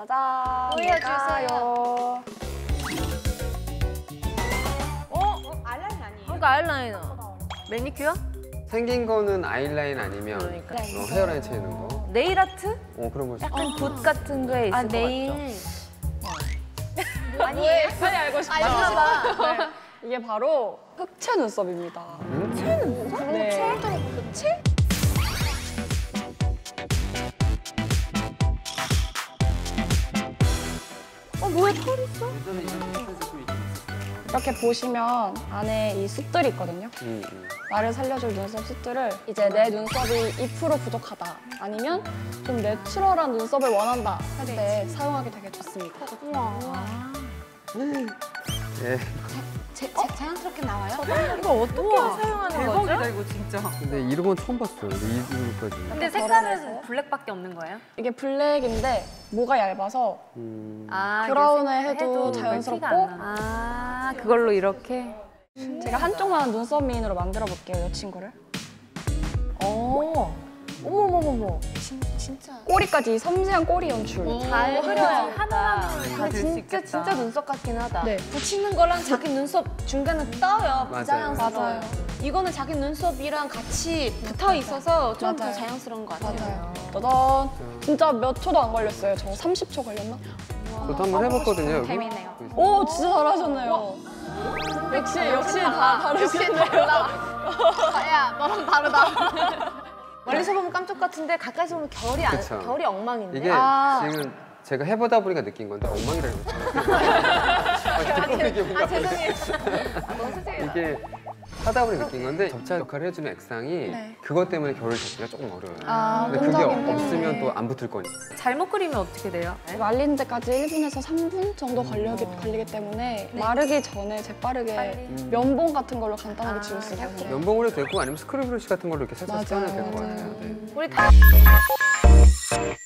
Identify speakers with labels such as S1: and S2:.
S1: 짜잔.
S2: 보여주세요.
S1: 아이라인 아니에요?
S3: 그러니까 아이라이너. 매니큐어?
S4: 생긴 거는 아이라인 아니면
S3: 그러니까.
S4: 헤어라인 채우는 거.
S3: 네일 아트?
S4: 그런 거지.
S3: 약간 붓 같은 거에 있을 것
S1: 네일.
S3: 같죠?
S1: 아니에요?
S2: 빨리 알고 싶다.
S1: 알겠나
S2: 네. 이게 바로 흑채 눈썹입니다.
S4: 흑채
S1: 눈썹?
S2: 네.
S1: 흑채?
S3: 뭐야 털 있어?
S2: 이렇게 보시면 안에 이 숱들이 있거든요. 나를 살려줄 눈썹 숱들을 이제 내 눈썹이 2% 부족하다 아니면 좀 내추럴한 눈썹을 원한다 할 때 사용하기 되게 좋습니다.
S4: 예.
S1: 자연스럽게 나와요?
S3: 이거 어떻게 사용하는 거죠?
S5: 대박이다 이거 진짜.
S4: 근데 이런 건 처음 봤어요. 근데 이 정도까지.
S3: 근데 색깔은 블랙밖에 없는 거예요?
S2: 이게 블랙인데 모가 얇아서
S3: 아,
S2: 브라운을
S3: 이게
S2: 해도
S3: 티가
S2: 자연스럽고
S3: 안 나. 아, 그걸로 이렇게?
S2: 제가 한쪽만 눈썹 미인으로 만들어 볼게요, 이 친구를.
S3: 어머머머머.
S1: 진짜.
S2: 꼬리까지 섬세한 꼬리 연출.
S3: 잘 흐려요. 하나하나.
S5: 다 될 수 있겠다.
S1: 진짜 눈썹 같긴 하다.
S2: 네.
S1: 붙이는 거랑 자기 눈썹 중간에 떠요.
S4: 맞아요.
S1: 부자연스러워요.
S2: 맞아요.
S1: 이거는 자기 눈썹이랑 같이 붙어 있어서 좀 더
S2: 맞아요.
S1: 자연스러운 것 같아요.
S2: 맞아요. 짜잔. 진짜 몇 초도 안 걸렸어요. 저 30초 걸렸나?
S4: 저도 한번 해봤거든요, 여기.
S1: 재밌네요.
S2: 오, 진짜 잘하셨네요. 역시 다 다르시네요.
S1: 야, 너랑 다르다. 멀리서 보면 깜짝 같은데 가까이서 보면
S4: 그쵸.
S1: 결이 엉망인데.
S4: 이게 지금 제가 해보다 보니까 느낀 건데 엉망이라고 했잖아요.
S1: 죄송해요. 너무 세세요.
S4: 이게 하다 보니 느낀 건데 접착 역할을 해주는 액상이
S2: 네.
S4: 그것 때문에 결을 잡기가 조금 어려워요.
S2: 아,
S4: 근데 그게
S2: 끈적임 때문에.
S4: 없으면 또 안 붙을 거니까.
S3: 잘못 그리면 어떻게 돼요?
S2: 말리는 데까지 1분에서 3분 정도 걸리기 때문에 마르기 전에 재빠르게 면봉 같은 걸로 간단하게 지울 수 있거든요.
S4: 면봉으로 해도 되고 아니면 스크류 브러쉬 같은 걸로 이렇게 살짝
S2: 맞아요,
S4: 떼어내도 될 것
S2: 맞아요.
S4: 같아요. 네.
S3: 우리 다